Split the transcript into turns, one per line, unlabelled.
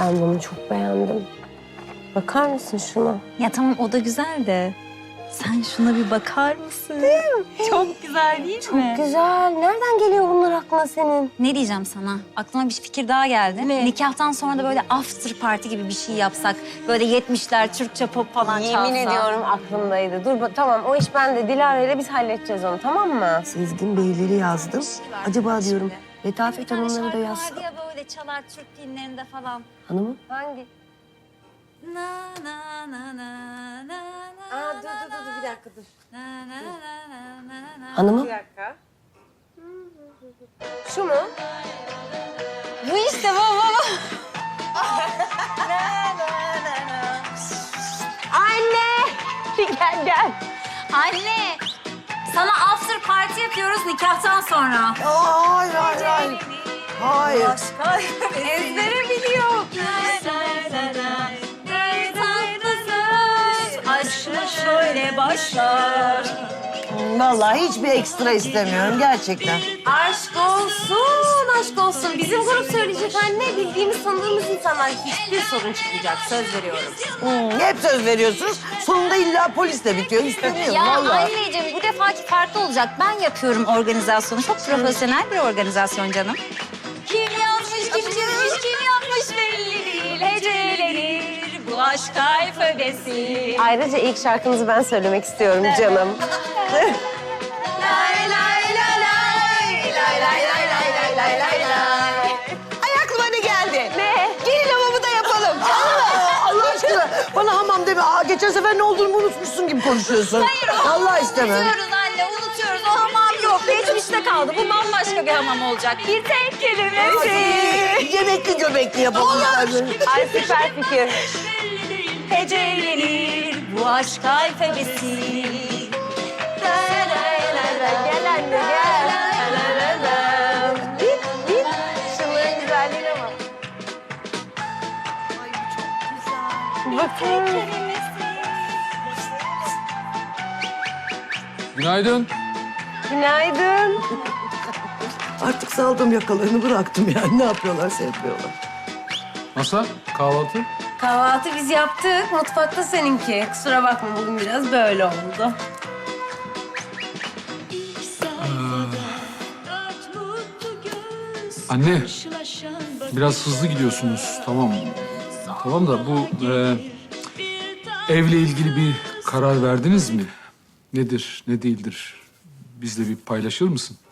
Ben bunu çok beğendim. Bakar mısın şuna?
Ya tamam o da güzel de sen şuna bir bakar mısın? Değil mi? Çok güzel değil mi?
Çok güzel. Nereden geliyor bunlar aklına senin?
Ne diyeceğim sana? Aklıma bir fikir daha geldi.
Ne?
Nikahtan sonra da böyle after party gibi bir şey yapsak. Böyle 70'ler Türkçe pop falan çalsa.
Yemin ediyorum aklımdaydı. Dur tamam o iş bende. Dilara ile biz halledeceğiz onu, tamam mı? Sezgin Beyleri yazdım. Acaba diyorum Letafet Hanımları da yazsa.
Vardı ya böyle çalar Türk filmlerinde falan.
Hanımım? Hangi?
Na na na na na na.
Aa dur bir dakika dur.
Na na na na na na.
Hanımım?
Bir dakika.
Şu mu?
Bu işte bu.
Anne! Gel.
Anne, sana after party yapıyoruz nikahtan sonra.
Hayır. Hayır.
Ezbere biliyor. Bir tatlısın, aşkla şöyle başlar.
Vallahi hiçbir ekstra istemiyorum gerçekten.
Aşk olsun. Bizim grup söyleyecek anne. Bildiğimiz, tanıdığımız insanlar. Hiçbir sorun çıkmayacak. Söz veriyorum.
Hep söz veriyorsunuz. Sonunda illa polisle bitiyor. İstemiyorum
Ya
vallahi.
anneciğim bu defaki farklı olacak. Ben yapıyorum organizasyonu. Çok profesyonel bir organizasyon canım. Kim yapmış, kim çizmiş, kim yapmış belli değil. Hecelenir bu aşk alfabesi.
Ayrıca ilk şarkınızı ben söylemek istiyorum canım.
Ay aklıma ne geldi?
Ne?
Gelin hamamı da yapalım. Allah aşkına bana hamam deme. Geçen sefer ne olduğunu unutmuşsun gibi konuşuyorsun. Vallahi istemem.
Unutuyoruz anne, unutuyoruz. O hamam yok. Geçmişte kaldı. Bu bambaşka bir hamam olacak. Bir tek kelimesi.
Yemekli göbekli yapalım.
Ay süper fikir.
Hecelenir bu aşk alfabesi.
Gel anne gel. Git. Şunların güzelliğine bak. Bakın.
Günaydın.
Günaydın.
Artık saldım yakalarını bıraktım yani. Ne yapıyorlarsa yapıyorlar.
Masa, kahvaltı.
Kahvaltı biz yaptık. Mutfakta seninki. Kusura bakma bugün biraz böyle oldu.
Anne, biraz hızlı gidiyorsunuz. Tamam. Tamam da bu evle ilgili bir karar verdiniz mi? Nedir, ne değildir? Bizle bir paylaşır mısın?